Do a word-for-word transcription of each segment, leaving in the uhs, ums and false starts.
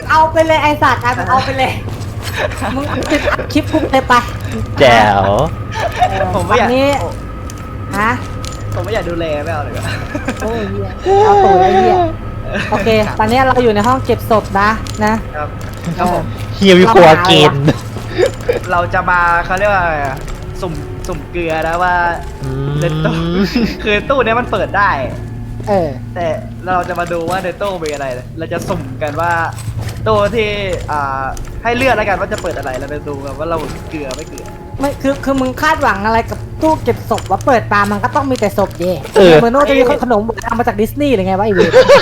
เอาไปเลยไอสัตว์เอาไปเลยมึงติดคลิปกูเลยไปแจ๋วผมไม่อยากนี้ฮะผมไม่อยากดูแลไม่เอาเลยโอ้ยเหี้ยเอาตัวไอ้เหี้ยโอเคตอนนี้เราอยู่ในห้องเก็บศพนะนะครับครับผมเฮียวิคัวเกนเราจะมาเขาเรียกว่าสุ่มสุ่มเกลือนะว่าเดนโต้คือตู้นี้มันเปิดได้เออแต่เราจะมาดูว่าเดนโต้มีอะไรเราจะสุ่มกันว่าตู้ที่อ่าให้เลือกแล้วกันว่าจะเปิดอะไรเราจะดูกันว่าเราเกลือไม่เกลือไม่คือคือมึงคาดหวังอะไรกับตู้เก็บศพว่าเปิดมามันก็ต้องมีแต่ศพเย่เออเหมือนโน้ตจะมีขนมทำมาจากดิสนีย์หรือไงวะไอเว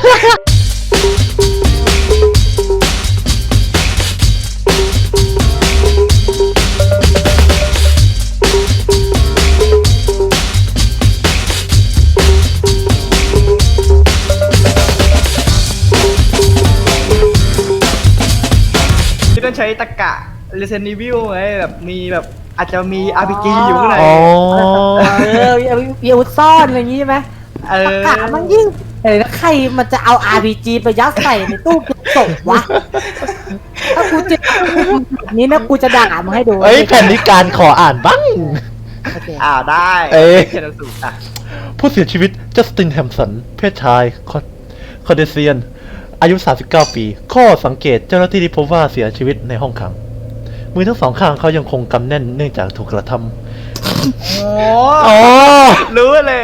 ที่ต้องใช้ตะกะ Resident Evil ไงแบบมีแบบอาจจะมี อาร์ พี จี อยู่ข้างในเออมีอาวุธซ่อนอะไรอย่างงี้ใช่ไหมเออตะกะมันยิ่งเฮ้ยแล้วใครมันจะเอา อาร์ พี จี ไปยัดใส่ในตู้เก็บศพวะถ้ากูเจอแบบนี้นะกูจะด่ามึงให้ดูเอ้ยแผ่นนิการขออ่านบ้างอ่าได้เอ้ยผู้เสียชีวิตจัสตินแฮมสันเพศชายคอเดเซียนอายุสามสิบเก้าปีข้อสังเกตเจ้าหน้าที่ได้พบว่าเสียชีวิตในห้องขังมือทั้งสองข้างเขายังคงกำแน่นเนื่องจากถูกกระทำโอ้รู้เลย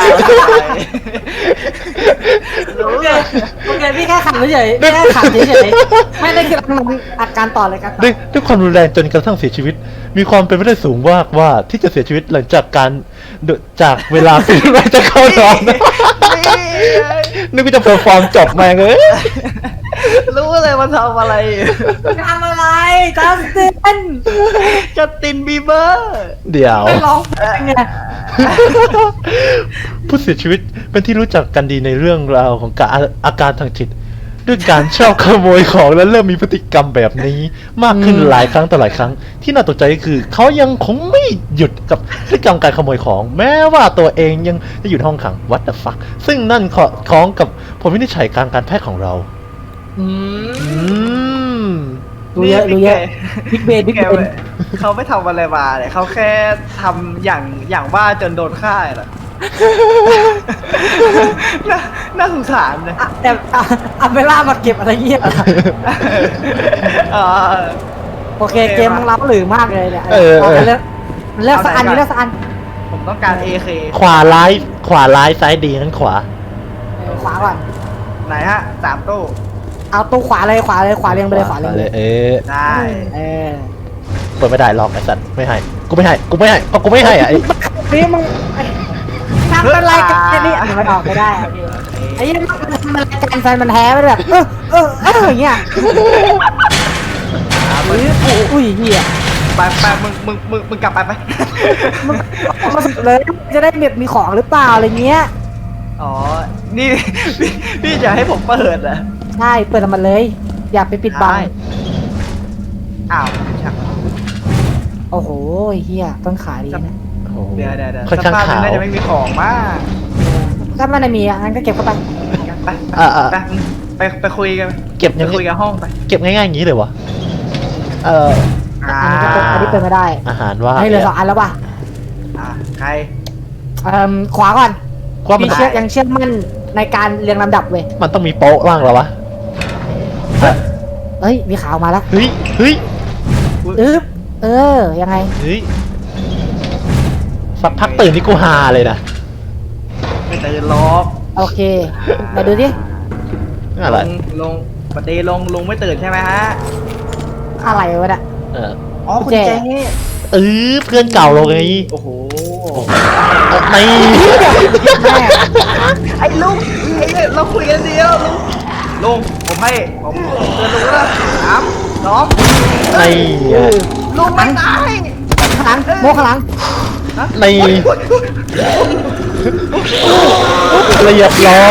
รู้เลยโอเคพี่แค่ขับเฉยๆแค่ขับเฉยๆไม่ได้คือมันอาการต่อเลยครับด้วยด้วยความรุนแรงจนกระทั่งเสียชีวิตมีความเป็นไปได้สูงมากว่าที่จะเสียชีวิตหลังจากการจากเวลาเป็นไรจะเข้านอนนึกว่าจะเพอร์ฟอร์มจบมาเลยรู้เลยมันทำอะไรทำอะไรจัสตินจัสตินบีเบอร์เดี๋ยวร้องไงผู้เสียชีวิตเป็นที่รู้จักกันดีในเรื่องราวของการอาการทางจิตด้วยการชอบขโมยของและเริ่มมีพฤติกรรมแบบนี้มากขึ้นหลายครั้งต่อหลายครั้งที่น่าตกใจก็คือเขายังคงไม่หยุดกับพฤติกรรมการขโมยของแม้ว่าตัวเองยังจะอยู่ในห้องขัง What the fuck ซึ่งนั่นคล้องกับผลวินิจฉัยการการแพทย์ของเราอืมดูเยอะดูเยอะบิ๊กเบนบิ๊กเบนเขาไม่ทำอะไรมาเลยเขาแค่ทำอย่างอย่างว่าจนโดนฆ่าเหรอน่าสงสารเลยแต่อัมเบล่ามาเก็บอะไรเงี้ยโอเคเกมมึงรับหรือมากเลยเนี่ยเออเลือกเลือกสักอันนี้เลือกสักอันผมต้องการ เอ เคขวาร้ายขวาร้ายซ้ายดีนั้นขวาขวาก่อนไหนฮะสามตู้เอาตู้ขวาเลยขวาเลยขวาเรียงไปเลยขวาเรียงเลยเออได้เออเปิดไม่ได้ล็อกไอ้สัตว์ไม่ให้กูไม่ให้กูไม่ให้ก็กูไม่ให้อ่ะไอ้นี่มึงทำอะไรกันนี่มันออกไม่ได้ไอ้ยังมันทำอะไรกันแฟนมันแท้ไปแบบเออเออเอออย่างเงี้ยอุ้ยเหี้ยไปไปมึงมึงมึงมึงกลับไปไปมึงมาสุดเลยจะได้แบบมีของหรือเปล่าอะไรเงี้ยอ๋อนี่พี่จะให้ผมเปิดอ่ะใช่เปิดมันเลยอย่าไปปิดบังอ้าวชักโอ้โหเฮียต้นขาดีนะเดี๋ยวเดี๋ยวเดี๋ยวสภาพนี้น่าจะไม่มีของมากถ้ามันไม่มีอ่ะงั้นก็เก็บเข้าไปไปไปไปไปคุยกันเก็บคุยกันห้องไปเก็บง่ายๆอย่างนี้เลยวะเอออันนี้ก็อันนี้เป็นไม่ได้อาหารว่าให้เหลือสองอันแล้วป่ะอ่าใครเอ่อขวาก่อนมีเชื่อยังเชื่อมั่นในการเรียงลำดับเว้ยมันต้องมีโป๊ะบ้างเหรอวะเฮ้ยมีข่าวมาแล้วเฮ้ยเฮ้ยอึ๊บเออยังไงเฮ้ยสักพักตื่นนี่กูฮาเลยนะไม่ตื่นล็อกโอเคมาดูดิอะไรลงปฏิลงลงไม่ตื่นใช่ไหมฮะอะไรวะเนี่ยเอออ๋อคุณเจเออเพื่อนเก่าเราไงโอ้โหไม่ไอ้ลุงไอ้เราคุยกันเดียวลุงลุงผมให้ผมเตือนลุงแล้วสามสองไม่ลุงมันตายข้างหลังโมข้างหลังในละเอียดล้อ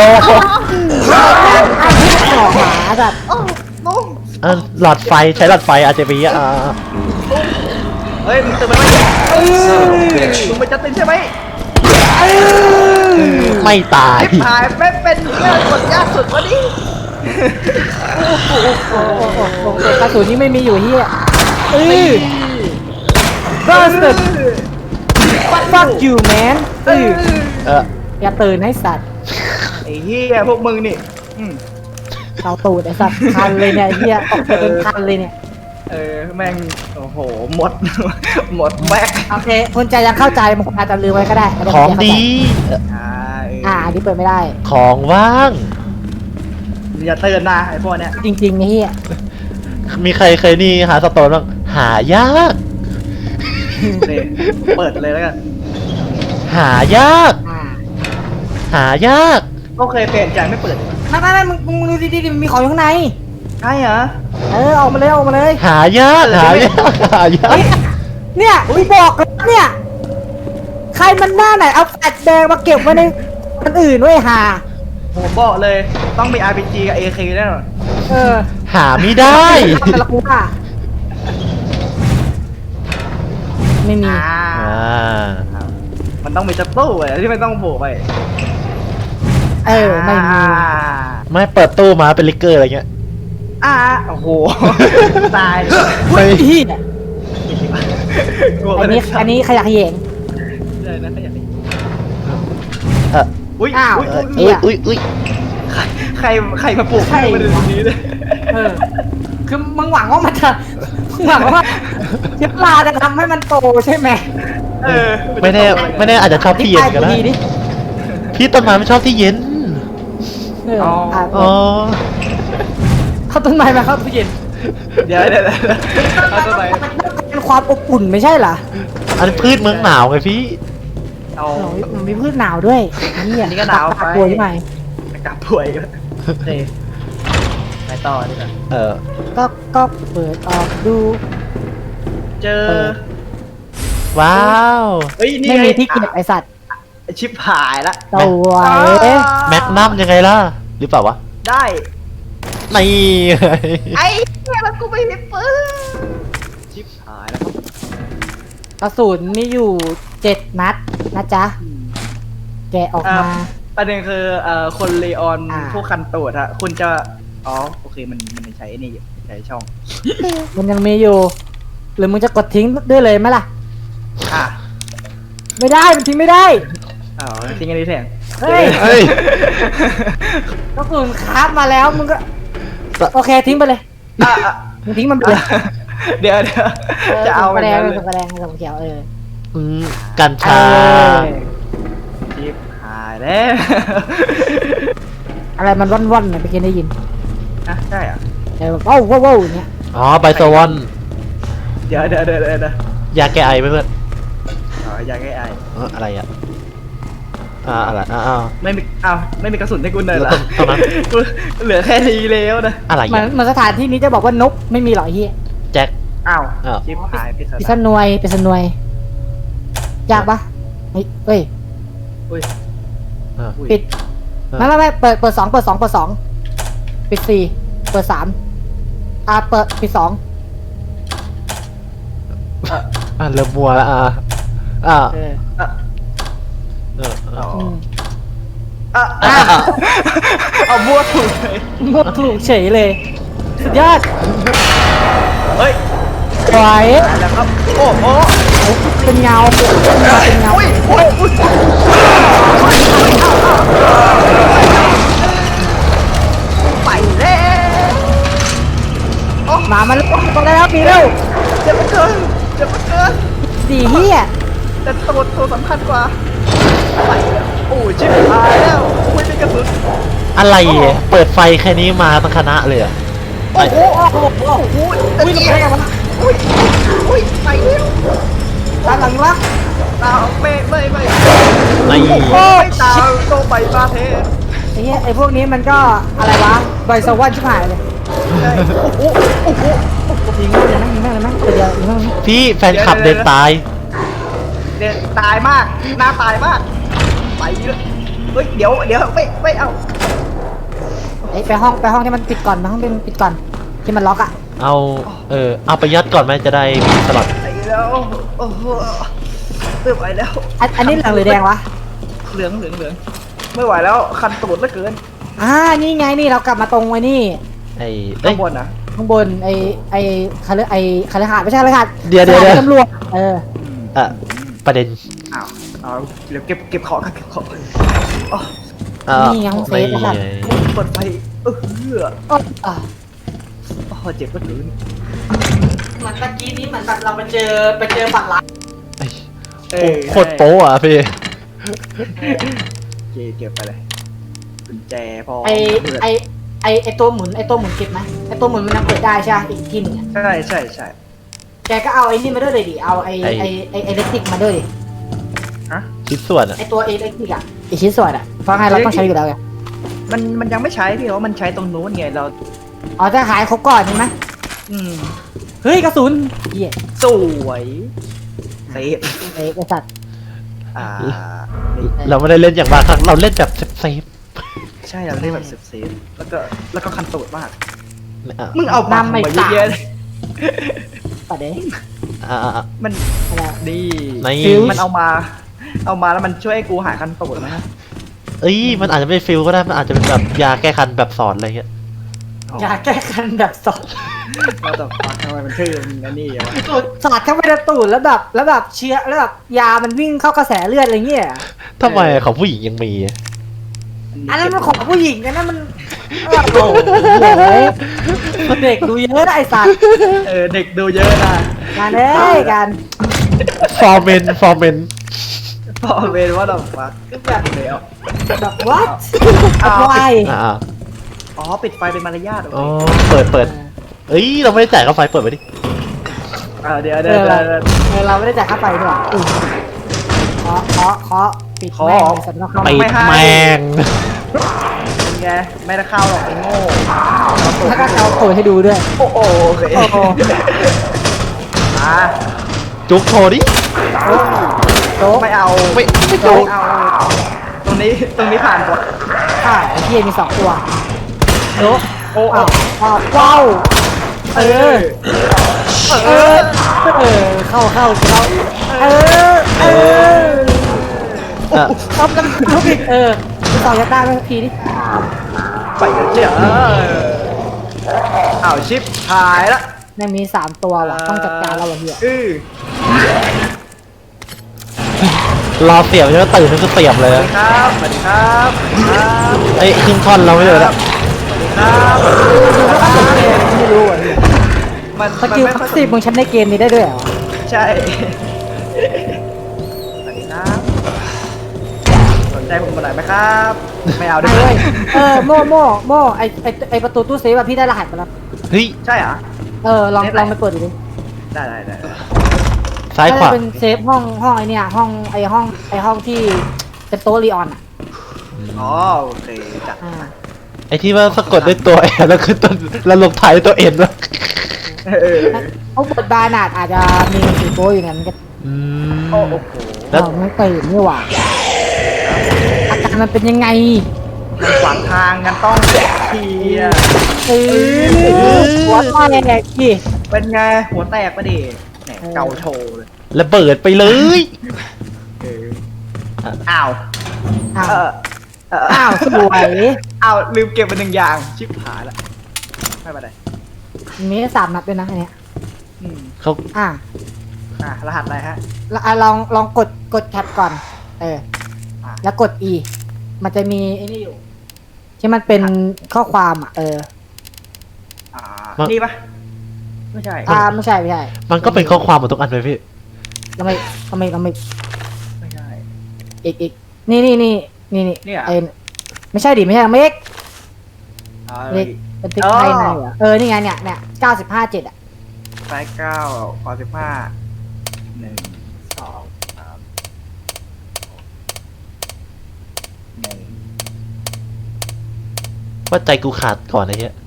หมาแบบหลอดไฟใช้หลอดไฟอาจจะมีอ่ะเฮ้ยมึงตื่นไหมมึงไปจัดตินใช่ไหมไม่ตายถ่ายไม่เป็นเรื่องกดยากสุดวะนี่โอ้โหโอ้โหโอ้โหกระสุนนี่ไม่มีอยู่เฮียเอ้ย bastard fuck you man เออเอออย่าตื่นให้สัตว์ไอ้เหี้ยพวกมึงนี่อืมเอาตูดไอ้สัตว์คันเลยเนี่ยไอ้เฮียตกไปเป็นคันเลยเนี่ยเออแม่งโอ้โหหมด หมดแม็กโอเคคุณใจยังเข้าใจมันอาจจะลืมไว้ก็ได้ไม่ได้ของดีอ่าเอออ่าอันนี้เปิดไม่ได้ของว่างอย่าเตือนนะไอ้พวกเนี้ยจริงๆไอ้เฮียมีใครเคยนี่หาสโตนบ้างหายากนี่เปิดเลยแล้วกันหายากอ่าหายากก็เคยเปลี่ยนใจไม่เปิดไม่ไม่ไม่มึงมึงดูดีๆมันมีของอยู่ข้างในใช่เหรอเออออกมาเลยออกมาเลยหายากหายากหายากเฮ้ยเนี่ยกูบอกแล้วเนี่ย ใครมันหน้าไหนเอาแฟลชแดงมาเก็บไว้ในคนอื่นไว้ยหาผมบอกเลยต้องมี อาร์ พี จี กับ เอ เค แน่นอนเออหาไม่ได้ทำแต่ละกูว่าไม่มีอ่าอ่ามันต้องมีจับตู้ไอ้ที่ไม่ต้องโผล่ไปเออไม่มีอ่าไม่เปิดตู้มาเป็นลิกเกอร์อะไรเงี้ยอ่าโอ้โห ตายไม่พี่เนี่ยกลัวอันนี้อันนี้ขยะแขยงเลยนะขยันเอออุ้ยอ้าวอุ้ยเออุ้อย อุ้ยอุ้ยอุ้ยใครใครมาปลูกใครมาดูตรงนี้เลยเออ คือมึงหวังว่ามันจะมึงหวังว่าเชื้อราจะทำให้มันโตใช่ไหมเออไม่แน่ไม่แน่อาจจะชอบที่เย็นก็ได้อธิบายกูดิพี่ต้นไม้ไม่ชอบที่เย็นเอออ่ะอ๋อเขาต้นไม้มาเข้าตู้เย็นเดี๋ยวเดี๋ยวเดี๋ยวเอาตัวไหนเป็นความอบอุ่นไม่ใช่เหรออันนพืชเมืองหนาวไงพี่เอาโอ้ยมันมีพืชหนาวด้วยนี่อันนี้ก็หนาวไปกลัวยังไงกลับป่วยกันเฮ้ไปต่อดีกว่าเออก็ก็เปิดออกดูเจอเปิดว้าวเฮ้ยนี่ไม่งมีที่เก็บไอสัตว์อ่ะชิบหายละสวยแมกนัมยังไงล่ะ หรือเปล่าวะได้นี่ไอ้เนี่ยแล้วกูไม่มีปืนชิบหายแล้วครับกระสุนมีอยู่เจ็ดนัดนะจ๊ะ แกะออกมาประเด็นคือเอ่อคนเลออนอ่าพวกคันตูดอะคุณจะอ๋อโอเคมันมันใช้นี่อยู่ใช้ช่องมันยังมีอยู่ หรือมึงจะกดทิ้งด้วยเลยไหมล่ะอ่ะไม่ได้มันทิ้งไม่ได้อ๋อทิ้งอันนี้แทนเฮ้ยเฮ้ยกระสุนคราฟมาแล้วมึงก็ โอเคทิ้งไปเลยอ่ะอ่ะมึงทิ้งมันไปเลยเดี๋ยวเดี๋ยวจะเอากไประแดนั้งนเลยกระแดงกระเขียวเอออืมกัญเอชาอชิบหายแล้วอะไรมันว่อนๆเนี่ยไปกินได้ยินอ่ะใช่เหรอ่ะเออว้าวว้าวว้าวอย่างเงี้ยอ๋อไบโซวอนเดี๋ยวเดี๋ยวเดี๋ยวเดี๋ยวเดี๋ยวยาแก้ไอไหมเพื่อนอ๋ออยากให้ไอเอออะไรอ่ะ อ่าอะไรอ่าอ่าไม่มีอ้าวไม่มีกระสุนให้กูเลยเหรอแล้วตรงนั้นกูเหลือแค่นี้แล้วนะอะไรเหมือนอ่ะเหมือนสถานที่นี้จะบอกว่านกไม่มีหรอกไอ้เฮียแจ็คอ้าวอ้าวชิบหายไปปิซะสนวยปิสนวยยากปะเฮ้ยเฮ้ยอุ้ยอ่าอุ้ยปิดเออไม่ไม่ไม่เปิดเปิดสองเปิดสองเปิดสองปิดสี่เปิดสามอ่าเปิดปิดสองอ่าเริ่มมัวแล้วอ่าอ่าเอออ่ะเออเอออ๋ออืมอ่ะอ่ะอ่ะเอาบัวถูกเลยหมดถูกเฉยเลย สุดยอดเฮ้ยสวยตายแล้วครับโอ้โหเป็นเงาเป็นเงาอุ้ยอุ้ยอุ้ยไปแล้วหมามันต้องได้แล้วปีเร็วเจ็บเหลือเกินเจ็บเหลือเกินสี่เฮียแต่ตัวตัวสำคัญกว่าไปแล้วโอ้ยชิบหายแล้วอุ้ยเป็นกระสุนอะไรอ่ะเปิดไฟแค่นี้มาทั้งคณะเลยอ่ะโอ้โหโอ้โหโอ้โหอุ้ยทำไมกันวะอุ้ยอุ้ยไปแล้วตามหลังวะตาไม่ไม่ไม่ไม่โอ้ยตาโตไปมาเทไอ้เหี้ยไอ้พวกนี้มันก็อะไรวะใบสวรรค์ชิบหายเลยใช่โอ้โหโอ้โหยิงแม่งเลยนะยิงแม่งเลยนะตัวเดียวยิงแม่งเลยพี่แฟนคลับเดินตายเด็ดตายมากหน้าตายมากไปเลยเฮ้ยเดี๋ยวเดี๋ยวไม่ไม่เอาไอ้ยไปห้องไปห้องที่มันปิดก่อนไปห้องที่มันปิดก่อนที่มันล็อกอ่ะเอาเออเอาไปยัดก่อนไหมจะได้มีสลัดไปแล้วโอ้โหไม่ไหวแล้วอันอันนี้เหลืองหรือแดงวะเหลืองเหลืองเหลืองไม่ไหวแล้วคันตูดเหลือเกินอ่านี่ไงนี่เรากลับมาตรงไอ้นี่ไอ้เอ้ข้าย งบนนะข้างบนไอ้ไอ้คาร์ไอ้คาร์หาดไม่ใช่คาร์หาดเดี๋ยวเดี๋ยวเดี๋ยวตำรวจเอออ่ะประเด็นอ้าวเอาเดี๋ยวเก็บเก็บของกันเก็บของอ๋ออ่ะนี่ไงห้องเซฟไม่ไอ้สัตว์เปิดไฟเออเหือโอ๊ยอ่ะโอ้โหเจ็บก็ถึงเหมือนเมื่อกี้นี้เหมือนแบบเราไปเจอไปเจอฝั่งร้านไอ้เออโคตรโป๊ะอ่ะพี่โอเคเก็บไปเลยกุญแจพอไอ้ไอ้ไอ้ไอ้ตัวหมุนไอ้ตัวหมุนเก็บไหมไอ้ตัวหมุนมันยังเปิดได้ใช่ไหมอีกทีหนึงอะใช่ใช่ใช่แกก็เอาไอ้นี่มาด้วยเลยดิเอาไอ้ไอ้ไอ้ไอ้เล็กติกมาด้วยดิฮะชิ้นส่วนอ่ะไอ้ตัวเอเล็กติกอะไอ้ชิ้นส่วนอะเพราะไงเราต้องใช้อยู่แล้วไงมันมันยังไม่ใช้พี่เพราะมันใช้ตรงนู้นไงเราอ๋อจะขายครบก่อนใช่ไหมอืมเฮ้ยกระสุนเหี้ยสวยเซฟไอ้ไอ้สัตว์อ่านี่เราไม่ได้เล่นอย่างบางครั้งเราเล่นแบบเซฟใช่เราได้แบบเซฟเซฟแล้วก็แล้วก็คันตูดมากๆอ่ะมึงเอาบังมาเยอะๆเลยปัดเด้อ่ะอ่ะอ่ะมันอะไรดีในมันเอามา เอามาแล้วมันช่วยให้กูหายคันตูดนะเอ้ยมันอาจจะไม่ฟิลก็ได้มันอาจจะเป็นแบบยาแก้คันแบบสอนอะไรเงี้ยยาแก้คันแบบสดเราแต่ฟังทำไมมันชื่อมันอันนี้วะสอดเข้าไปในตูดแล้วแบบแล้วแบบเชื้อแล้วแบบยามันวิ่งเข้ากระแสเลือดอะไรเงี้ยทำไมของผู้หญิงยังมีอ่ะอันนั้นมันของผู้หญิงอันนั้นมันโอ้โหเด็กดูเยอะนะไอ้สัตว์เออเด็กดูเยอะนะการเอ้ยการฟอร์เมนฟอร์เมนพอเวนว่าเราฟักแบบเดี๋ยวแบบ what เอาวายอ่าอ๋อปิดไฟเป็นมารยาทเหรอ๋ออเปิดเปิดเอ้ยเราไม่ได้จ่ายค่าไฟเปิดไปดิเออเดี๋ยวเอเดี๋ยวอเดี๋เรายวเดี๋ยวเออเราไม่ได้จ่ายค่าไฟด้วยอืมเคาะเคาะเคาะปิดเคาะแม่งเลยสัตว์นอกเข้าไปมาแมงเป็นไงไม่ได้เข้าหรอกไอ้โง่ถ้าก็เอาโผล่ให้ดูด้วยโอ้โหโอเคโอ้โหอ่ะจุกโชว์ดิโต๊ะไม่เอาไม่ไม่ไม่จุกเอาตรงนี้ตรงนี้ผ่านกว่าค่ะไอ้เฮียมีสองตัวโต๊ะโอ้อ้าวอ้าวว้าวเออ เออ เออ เข้าเข้าเข้าเออ เอออ่ะเอากันทุกอีกเออพี่ต่อยัดได้ไหมทีนี้ไปกันเชียวอ้าวชิปหายละแม่งมีสามตัวว่ะต้องจัดการแล้วว่ะเฮียอือรอเสียบใช่ไหมตื่นนั่นคือเสียบเลยสวัสดีครับสวัสดีครับครับไอ้ยขึ้นท่อนเราไม่เลยละครับไม่รู้อ่ะเฮียมันสกิลมันพัไม่สซีฟมึงใช้ในเกมนี้ได้ด้วยเหรอใช่สวัสดีครับสนใจผมมาหน่อยไหมครับ ไม่เอาด้ไม่วเว้ยยเออโม่โม่โม่ไอไอไอประตูตู้เซฟอะพี่ได้รหัสมาแล้วเฮ้ยใช่เหรอเออลองลองไปเปิดดูดิได้ได้ได้ซ้ายขวาน่จะเป็นเซฟห้องห้องไอเนี่ยห้องไอห้องไอห้องที่เป็นโต๊ะลีออนอ่ะอ๋อโอเคจัดอ่าไอ้ที่ว่าสะกดด้วยตัวแอนแล้วคือต้นแล้วลงท้ายด้วยตัวเอ็นวะเออเขาบทบาทอาจจะมีสีโป้อยู่เนี่ยมันก็อืมโอ้โหแล้วเราไม่ตื่นนี่หว่าอาการมันเป็นยังไงมันขวางทางกันต้องเคลียร์เออหัวแตกดิเป็นไงหัวแตกปะดิแหมเกาโชว์เลยระเบิดไปเลยเอออ้าวอ้าเอวอเอออ้าวสวยอ้าวลืมเก็บไปหนึ่งอย่างชิบหายละไม่เป็นไรมีสามนัดด้วยนะอันเนี้ยอืมเขาอ่ะอ่ะรหัสอะไรฮะแล้วอ่ะลองลองกดกดแท็บก่อน เอออ่ะแล้วกด E มันจะมีไอ้นี่อยู่ ที่มันเป็นข้อความอ่ะ เอออ่านี่ปะไม่ใช่อ่าไม่ใช่ไม่ใช่มันก็เป็นข้อความหมดทุกอันเลยพี่ทำไมทำไมทำไมไม่ใช่อีกอีกนี่นี่นี่นี่นี่เนี่ยเอ็นไม่ใช่ดิไม่ใช่เมกอ่าเมกเป็นติ๊กไทยในเหรอเออนี่ไงเนี่ยเนี่ยเก้าสิบห้าเจ็ดอ่ะไซส์เก้าขอสิบห้าหนึ่งสองสามหนึ่งว่าใจกูขาดก่อนไอ้เหี้ย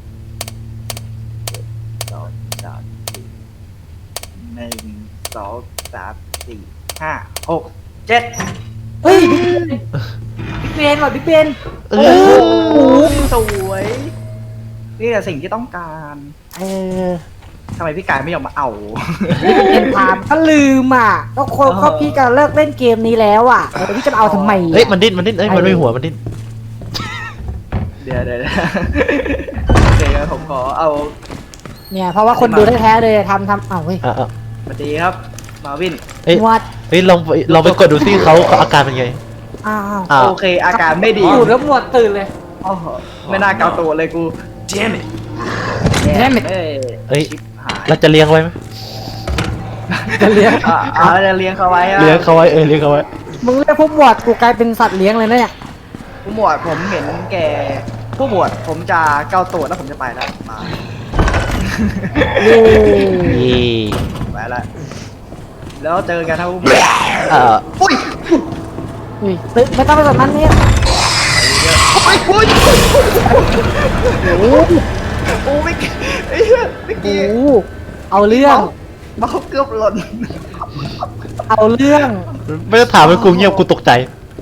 สองสามสี่หนึ่งสองสามสี่ห้าหกเจ็ดเฮ้ยบิ๊กเบนว่ะบิ๊กเบนเอโอ้อโหสวยนี่แหละสิ่งที่ต้องการเออทำไมพี่กายไม่ยอมมาเอาเป็นพามก็ลืมอ่ะก็คนเออก็พี่จะเลิกเล่นเกมนี้แล้วอ่ะแต่พี่จะมาเอาทำไมเฮ้ยมันดิ้นมันดิ้นเอ้ยมันไม่หัวมันดิ้นเดี๋ดี๋ยวเดี๋ยวเดี๋ยวโอเคครับผมขอเอาเนี่ยเพราะว่าคนดูแท้ๆเลยทำทำเอ้าเฮ้ยอ่ะอ่ะสวัสดีครับมาวินเอ้ยนวดเฮ้ยลองไปลองไปกดดูซิเขาเขาอาการเป็นไงอ้าวอ้าวโอเคอาการไม่ดีอยู่แล้วหมวดตื่นเลยโอ้โหไม่น่าเกาตัวเลยกู damn it Damn it เอ้ยเฮ้ยชิบหายเราจะเลี้ยงไว้ไหมจะเลี้ยงอ่ะอ่าจะเลี้ยงเขาไว้อะเลี้ยงเขาไว้เออเลี้ยงเขาไว้มึงเรียกพวกหมวดกูกลายเป็นสัตว์เลี้ยงเลยนะเนี่ยผู้หมวดผมเห็นแกผู้หมวดผมจะเกาตัวแล้วผมจะไปแล้วมาเย้นี่ไปแล้วแล้วเจอกันครับผู้หมวดเอ่ออุ้ยอุ้ยตึ๊ดไม่ต้องไปสนมันเนี่ยอุ้ยอุ้ยโอ้โหโอ้ไม่ไอ้เหี้ยเมื่อโอ้กี้โหเอาเรื่องเมาส์เกือบหล่นเอาเรื่องไม่ต้องถามให้กูเงียบกูตกใจ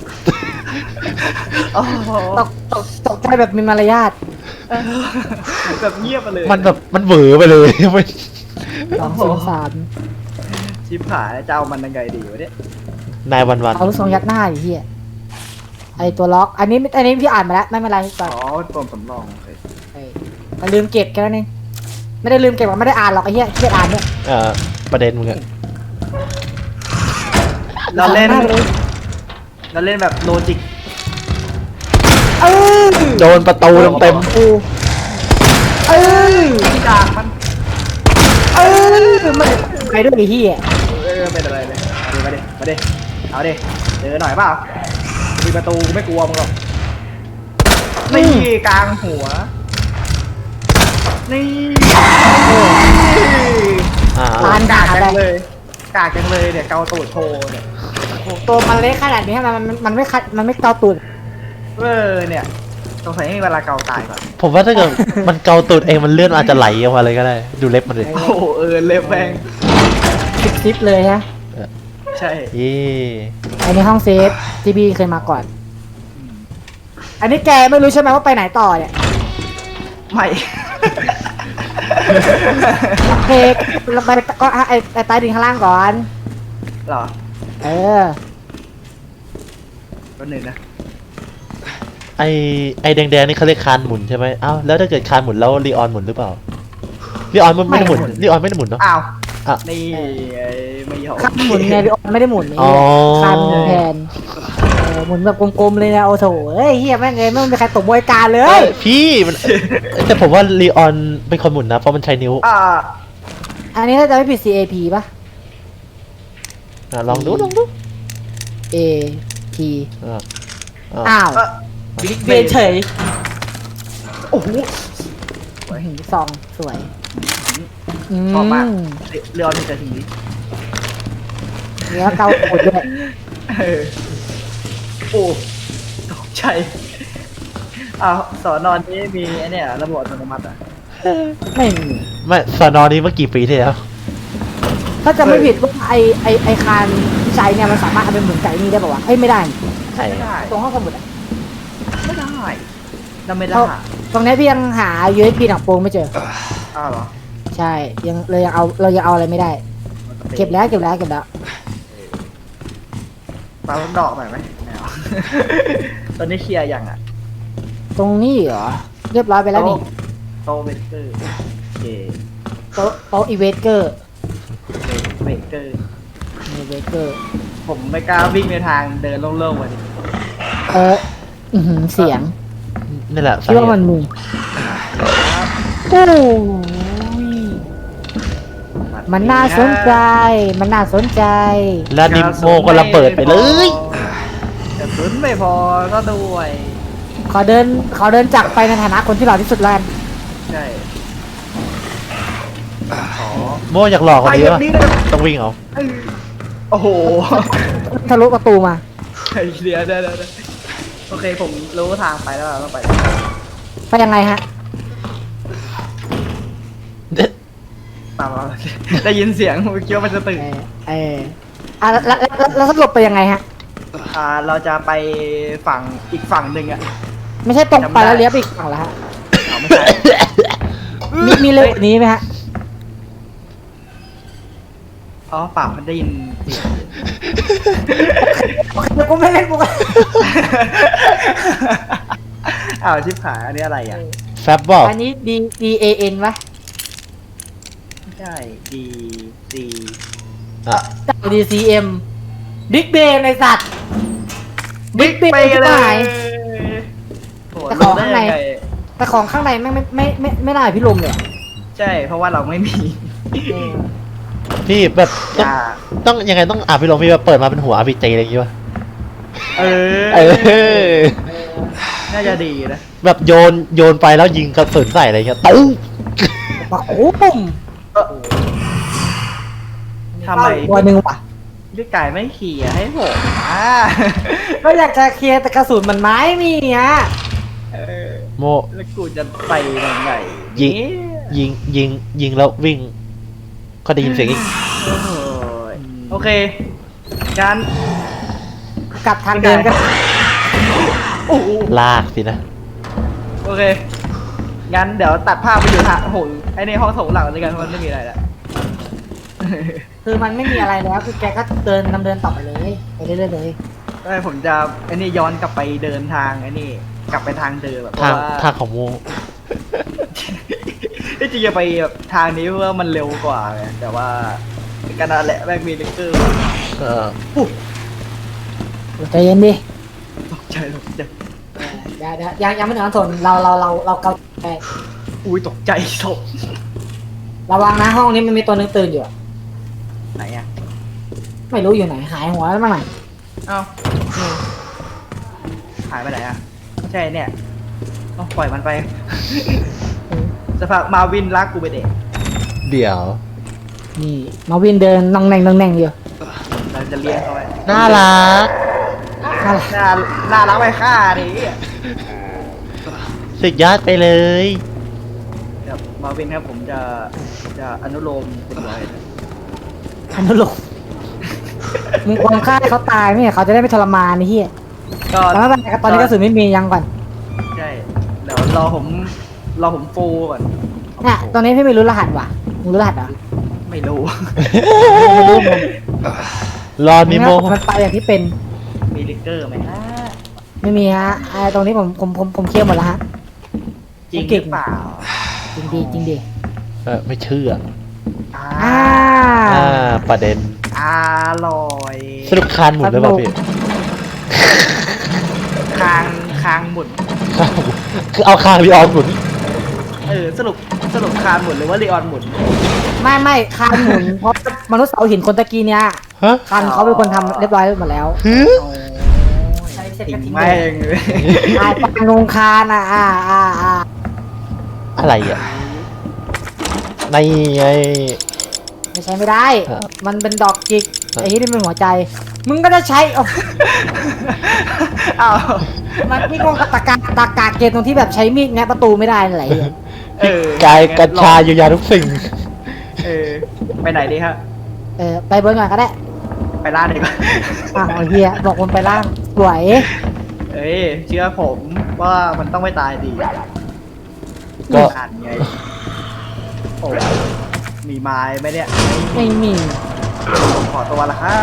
โอ้โหตกตกตกใจแบบมีมารยาทแบบเงียบไปเลยมันแบบมันเหวอไปเลย ไม่สองศูนย์สามชิบหายจะเอามันยังไงดีวะเนี่ยนายวันวันเอาลูกทรงยัดหน้าไอ้เหี้ยไอตัวล็อก อันนี้อันนี้พี่อ่านมาแล้วไม่เป็นไรก่อ๋อนอเป็นปมสำรองโอเคเออแต่ลืมเก็บแค่นั้นเองไม่ได้ลืมเก็บหรอกไม่ได้อ่านหรอกไอ้เหี้ยเครียดอ่านเนี่ยเอ่อประเด็นมึงอะเราเล่นมากเลยเราเล่นแบบโลจิกเออโดนประตูเต็มกูเออที่กากมันเออมันไปด้วยไอ้เหี้ยเออเป็นอะไรเลยมาดิมาดิมาดิเอาดิเจอหน่อยเปล่ามีประตูกูไม่กลัวมึงหรอกนี่กลางหัวนี่ๆอ่าปานกาด่ากจัไปงเลยกากจังเลยเนี่ยเกาตูดโชว์เนี่ยโอ้โหตัวมันเล็กขนาดนี้มันมันมันไม่คัดมันไม่เกาตูดเออเนี่ยสงสัยให้เวลาเกาตายก่อนผมว่าถ้าเกิดมันเกาตูดเองมันเลื่อนอาจจะไหลออกมาเลยก็ได้ ดูเล็บมันเลยโอ้โหเออเล็บแพงซิปซิปเลยฮะใช่เย่อันนี้ห้องเซฟที่พี่เคยมาก่อน อันนี้แกไม่รู้ใช่ไหมว่าไปไหนต่อเนี่ยไม่โอเคเราไปก็ไอไอใต้ดินข้างล่างก่อนเหรอเออตัวหนึ่งนะไอไอแดงๆนี่เขาเรียกคานหมุนใช่ไหมอ้าวแล้วถ้าเกิดคานหมุนแล้วลีออนหมุนหรือเปล่าลีออนมันไม่ได้หมุนลีออนไม่ได้หมุนเนาะอ้าวอ่ะนี่ไอ้ไม่ยอมคันหมุนไงพี่โอ๊ตไม่ได้หมุนไอ้อ๋อเหี้ยคันแทนเออหมุนแบบกลมๆเลยนะโอ้โถเอ้ยเฮียแม่งเลยไม่มีใครตกบวยการเลเอ้ยยพี่มันแต่ผมว่าลีออนเป็นคนหมุนนะเพราะมันใช้นิ้วอ่าอันนี้ถ้าจะไม่ผิด ซี เอ พี ป่ะอ่ะลองดูลองดู A P อ่ะอ่ะอ้าวเออบิ๊กเบียนเฉยโอ้โหหินซองสวยชอบมากมเรืออนี่จะทีนี้เนื้อเกาตูดด้วยเออโอ้ตกใจอ้าวสอนอนนี้มีไอ้เนี่ยระบบอัตโนมัติอ่ะไม่มีไม่สอนอนี้เมื่อกี่ปีที่แล้วถ้าจะไม่ผิดว่าไอไอไอคานที่ใช้เนี่ยมันสามารถเอาไปหมุนไก่นี่ได้ป่าวะเอ้ยไม่ได้ใช่ไม่ได้ตรงห้องสมุดอะไม่ได้เราไม่ได้เพราะตรงนี้พี่ยังหา ยู เอส บี หนังโปรงไม่เจออ้าวเหรอใช่ยังเลยยังเอาเรายังเอาอะไรไม่ได้ เก็บแล้วเก็บแล้วเก็บแล้วปาลูกดอกหน่อยไหมไม่เอา ตอนนี้เคลียร์ยังอ่ะตรงนี้เหรอเรียบร้อยไปแล้วนี่โตเบเกอร์โอเคโต๊ะโต๊ะอีเวสเกอร์เบเกอร์อีเวสเกอร์ผมไม่กล้าวิ่งในทางเดินโล่งๆวันนี้เอออือหือเสียงนี่แหละคิดว่ามันมีโอ้ยมันน่าสนใจ มันน่าสนใจแล้วนิโมก็ระเบิดไปเลยกระสุนไม่พอก็ด้วยขอเดินขอเดินจากไปในฐานะคนที่หล่อที่สุดแล้วกันใช่ขอโมอยากหลอกคนนี้ไปแบป่ะบนี้นะครับต้องวิ่งเอาเออโอ้โหทะลุประตูมาไอ้เดียวเดี๋ยวเดี๋ยวเดี๋ยวโอเคผมรู้ทางไปแล้วเราต้องไปไปยังไงฮะตามเราได้ยินเสียงผมคิดว่ามันจะตื่นเออเอออ่ะแล้วแล้วแล้วแล้วสรุปไปยังไงฮะอ่าเราจะไปฝั่งอีกฝั่งหนึ่งอ่ะไม่ใช่ตรงไปแล้วเลี้ยวไปอีกฝั่งแล้วฮะเอาไม่ใช่มีมีเร็วกว่านี้ไหมฮะอ๋อปากมันได้ยินเสียงโอเคกูไม่เล่นกูไม่อ้าวชิบหายอันนี้อะไรอ่ะแฟบบอกอันนี้ D D A N วะไม่ใช่ D C อ่ะเจ้า D C M บิ๊กเบนในสัตว์บิ๊ก Big ไป Bang เลที่ไหนยโหแต่ลของงได้ข้างในยังไงแต่ของข้างในไม่งไม่ไม่ไม่ไม่ได้พี่ลมเลยอะใช่ เพราะว่าเราไม่มีเออพี่แบบต้องยาต้องยังไงต้องอ่านพี่ลงพี่แบบเปิดมาเป็นหัว อาร์ พี จี อะไรอย่างงี้วะเออเออน่าจะดีนะแบบโยนโยนไปแล้วยิงกระสุนใส่อะไรเงี้ยตู้ปะโอ้ปุ่มทำไมตัวหนึ่งว่ะพี่ไก่ไม่เขี่ยร์ให้ผมอ่าก็อยากจะเคลียร์แต่กระสุนมันไม้มีอ่ะเออโมแล้วกูจะไปยังไงยิงเนี่ยยิงยิงยิงแล้ววิ่ง ก็ได้ยินเสียงอีกโอ้โหโอเคงั้นกลับทางเดิมกันโอ้โหลากสินะโอเค งั้นเดี๋ยวตัดภาพไปอยู่ทางโอ้โหไอ้ในห้องโถงหลังด้วยกันมันไม่มีอะไรแล้วคือมันไม่มีอะไรแล้วคือแกก็เดินดำเดินต่อไปเลยไปเรื่อยๆเลยได้ผมจะไอ้นี่ย้อนกลับไปเดินทางไอ้นี่กลับไปทางเดิมแบบเพทางราะว่าทางของโมที่จริงจะไปแบบทางนี้เพราะว่ามันเร็วกว่าไงแต่ว่าก็นั่นแหละแม่งมีลิกเกอร์เออใจเย็นดิตกใจตกใจเดี๋ยวเดี๋ยวยังยังไม่ถึงนั้นทนเราเราเราเราเกาไปอุ้ยตกใจศพระวังนะห้องนี้มันมีตัวนึงตื่นอยู่อะไหนอ่ะไม่รู้อยู่ไหนหายหัวแล้วมั้งไหนเอ้าหายไปไหนอ่ะไม่ใช่เนี่ยต้องปล่อยมันไป สภาพมาวินรักกูไปเด็กเดี๋ยวนี่มาวินเดินนองแนงนองแนงอยู่เราจะเลี้ยงเขาไว้น่ารักอะไรน่าน่ารักไปฆ่าดิสุดยอดไปเลยเดี๋ยวมาวินครับผมจะจะอนุโลมคุณไว้อนุโลมมึงควรฆ่าให้เขาตายไม่ใช่เขาจะได้ไม่ทรมานนี่เฮียก็แล้วไม่เป็นไรครับตอนนี้กระสุนไม่มียังก่อนใช่เดี๋ยวรอผมรอผมฟูก่อนเนี่ยตอนนี้พี่ไม่รู้รหัสว่ะมึงรู้รหัสเหรอไม่รู้ไม่รู้มึงรอนิโมมันไปอย่างที่เป็นมีลิกเกอร์ไหมฮะไม่มีฮะไอ้ตรงนี้ผมผมผมผมเคลียร์หมดแล้วฮะจริงหเก่รืงอเปล่าจริงดีจริงดีเออไม่เชื่ออ่าอ่าอ่า ประเด็นอร่อยสรุปคานหมุนหรือเปล่าพี่คางคางหมุนคางหมุนคือเอาคางรีออนหมุนเออสรุปสรุปคางหมุนหรือว่าลีออนหมุนไม่ไม่คานหมุน เพราะมนุษย์เสาหินคนตะกี้เนี้ยฮะคานเขาเป็นคนทำเรียบร้อยหมดแล้วฮึโอ้ใช้เสร็จทิ้ก็งทิ้งแม่งเลยอ่าปางนงคานอ่ะอ่าอ่าอ่าอะไรอ่ะในไงไม่ใช้ไม่ได้ครับมันเป็นดอกจิกครับไอ้ที่นี่เป็นหัวใจ มึงก็จะใช้โอ้อ้าวมันนี่ก็ตะกาตะกาเกณฑ์ตรงที่แบบใช้มีดแงะประตูไม่ได้อะไรอย่างเงี้ยเออกายกัญชาเยียวยาทุกสิ่งเออไปไหนดีครับเออไปเบิร์นก่อนก็ได้ไปล่าดีกว่าอ่ะเอาเฮียบอกคนไปล่างสวยเอ้ยเชื่อผมว่ามันต้องไม่ตายดีก็อ่านไงโอ้มีไม้ไหมเนี่ยไม่มีผมขอตัวละครับ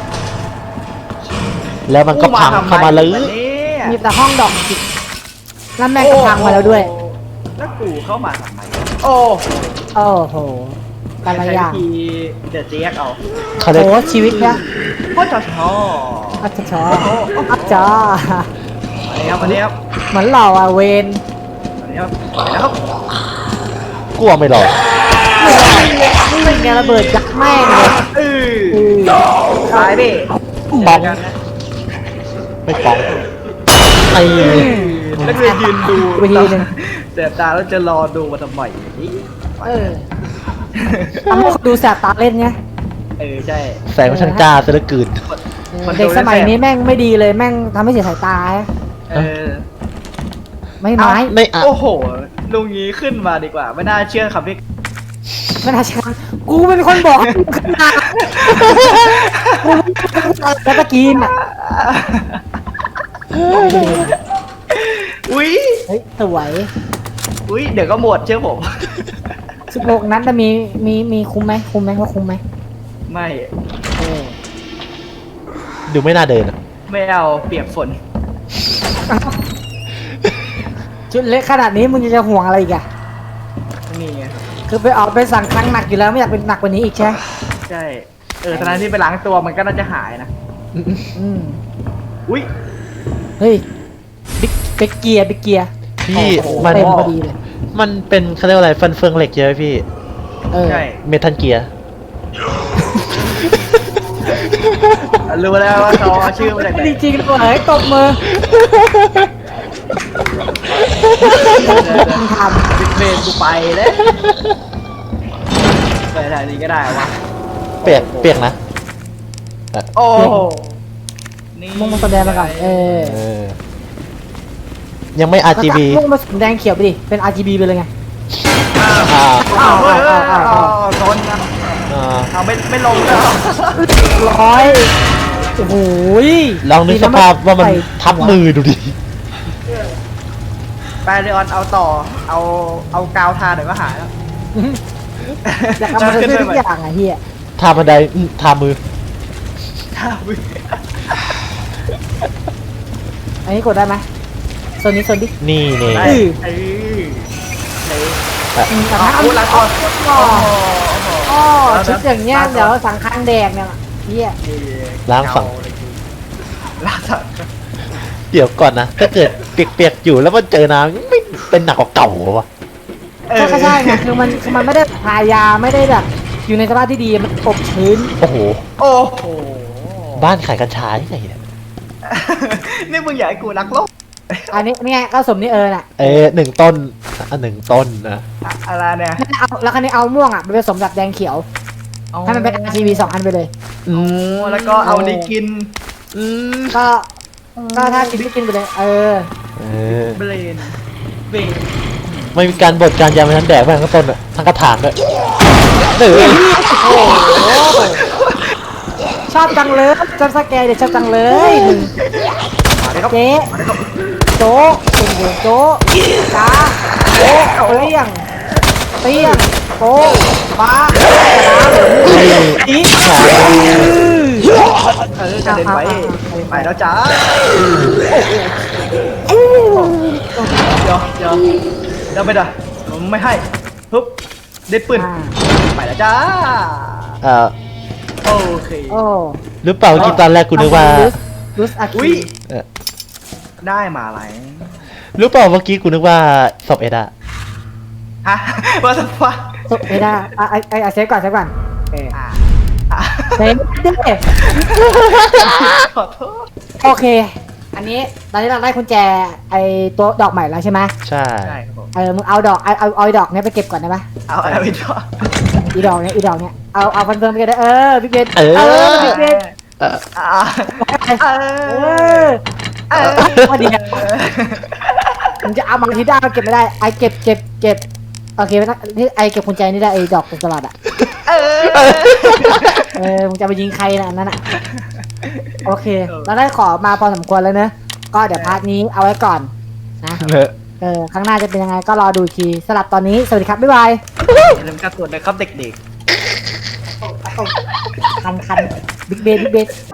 แล้วมันก็พังเข้ามาเลยมีแต่ห้องดอกจิกแล้วแม่งก็พังมาแล้วด้วยแล้วกูเข้ามาทำไมโอ้โอ้โหแต่ละอย่างใช้วิธีเดือดเจี๊ยกเอาเขาเรียกโอ้ชีวิตเนี่ยพ่อจอชออัจฉริอัจจ้ามาแล้วมาแล้วเหมือนเราอะเวนมาแล้วมาแล้วครับกลัวไม่หรอกนี่เป็นไงระเบิดยักษ์แม่งเลยเออตายดิป้องกันนะไม่ป้องไอ้นักเรียนยืนดูไปทีหนึ่งเสียตาแล้วจะรอดูมาทำไมนี่เออทำให้คนดูแสบตาเล่นไงเออใช่แสงมันช่างกล้าซะเหลือเกินเออเด็กสมัยนี้แม่งไม่ดีเลยแม่งทำให้เสียสายตาเออไม่ไม้ไม่อ่ะโอ้โหลุงงี้ขึ้นมาดีกว่า ไม่น่าเชื่อคำที่ไม่น่าเชื่อกูเป็นคนบอกให้มึงขึ้นมากูเป็นคนบอกแล้วตะกี้น่ะอุ้ยเฮ้ยสวยอุ้ยเดี๋ยวก็หมดเชื่อผมสิบหกนัดจะมีมีมีคุ้มไหมคุ้มไหมว่าคุ้มไหมไม่เออดูไม่น่าเดินอะไม่เอาเปียกฝนชุดเล็กขนาดนี้มึงจะห่วงอะไรอีกอะนี่ไงคือไปออกไปสั่งครั้งหนักอยู่แล้วไม่อยากเป็นหนักกว่านี้อีกใช่ไหมใช่เออตอนนั้นที่ไปล้างตัวมันก็น่าจะหายนะอืมอุ้ยเฮ้ยบิ๊กบิ๊กเกียร์บิ๊กเกียร์พี่โอ้โหมันเต็มพอดีเลยมันเป็นเขาเรียกว่าอะไรฟันเฟืองเหล็กเยอะพี่เออใช่เมทัลเกียร์รู้แล้วว่าเขาเอาชื่อมาจากไหนจริงๆเลยตบมือมึงทบิ๊กเบนกูไปแล้วไปไหนนี้ก็ได้วะเปียกเปียกนะโอ้โหนี่ำมึงมาแสดงมาก่อนเออเออ ยังไม่ อาร์ จี บีมึงมาสีแดงเขียวไปดิเป็น อาร์ จี บี ไปเลยไงอ่าอ้าวเฮ้ยเฮ้ยอ้าวอ้าวอ้าวอ้าวโดนนะอ่าเอาไม่ไม่ลงแล้วร้อยโอ้โหลองนึกสภาพว่ามันทับมือดูดิไปเลออนเอาต่อ เอาเอากาวทาเดี๋ยวก็หายแล้วอยากทำมันได้ทุกอย่างอะเฮียทาบันไดอืมทามือทามืออันนี้กดได้ไหมโซนนี้โซนดินี่นี่ได้อือเออเอออืมแต่เอาถ้าพูดละตัวอ๋อโอ้โหอ๋อชุดอย่างเงี้ยเดี๋ยวสังคังแดกเนี่ยเฮียล้างฝั่งล้างฝั่งเดี๋ยวก่อนนะ ถ้าเกิดเปียกๆอยู่แล้วมันเจอน้ำไม่เป็นหนักกว่าเก่าเหรอวะก็ใช่ไงคือมันคือมันไม่ได้ทายาไม่ได้แบบอยู่ในสภาพที่ดีมันอบชื้นโอ้โหโอ้โหบ้านขายกัญชาที่ไหนเนี่ยนี่มึงอยากให้กูรักโลกอันนี้เนี่ยก็สมนี่เออน่ะเอ๊ะหนึ่งต้นอันหนึ่งต้นนะอะอะไรเนี่ยเอาแล้วคันนี้เอาม่วงอ่ะไปผสมกับแดงเขียวให้มันเป็น อาร์ จี บี สองอันไปเลยอืมแล้วก็เอานี่กินอืมก็ก็ถ้ากินไม่กินไปเลย เออเออเบรนเบรนไม่มีการบดการยาไปทั้งแดกไปทั้งต้นอะทั้งกระถางด้วยเออโอ้โหชอบจังเลยจำสแกร์เดี๋ยวชอบจังเลยหนึ่งมาเลยครับเจ๊มาเลยครับโจ๊กเป็นหัวโจ๊กจ้าโจ๊กเปรี้ยงเปรี้ยงโป๊ะป้าอีกขาเออกระเด็นไปไปแล้วจ้าเดี๋ยวเดี๋ยวเดี๋ยวไปด่ะผมไม่ให้ฮึบได้ปืนไปแล้วจ้าเอ่อโอเคโอ้หรือเปล่าเมื่อกี้ตอนแรกกูนึกว่าลุสอาอุ้คิยเออได้มาอะไรหรือเปล่าเมื่อกี้กูนึกว่าศพเอ็ดอะฮะว่าสักพักสุดไม่ได้อ่ะไอไอเซฟก่อนเซฟก่อนเอออ่าอ่าเซฟดิขอโทษโอเค อันนี้ตอนนี้เราได้กุญแจไอตัวดอกใหม่แล้วใช่ไหมใช่ใช่ครับผมเออมึงเอาดอกเอาเอาเอาดอกเนี้ยไปเก็บก่อนได้ไหมเอาเอาไปต่ออีดอกเนี้ยอีดอกเนี้ยเอาเอาฟันเฟิร์มไปกันได้เออพี่เบนเออพี่เบนเอออ่าเอเอออเออพอดีนะมึงจะเอามาที่ได้เก็บไม่ได้ไอเก็บเก็บเก็บโอเคไม่ต้องนี่ไอเก็บกุญแจนี่ได้ไอดอกเป็นสลัดอ่ะเออเออมึงจะไปยิงใครนะอันนั้นอ่ะโอเคเราได้ขอมาพอสมควรแล้วเนอะก็เดี๋ยวพาร์ทนี้เอาไว้ก่อนนะเออเออข้างหน้าจะเป็นยังไงก็รอดูอีกทีสำหรับตอนนี้สวัสดีครับบ๊ายบายอย่าลืมการตรวจนะครับเด็กคันคันบิ๊กเบนบิ๊กเบน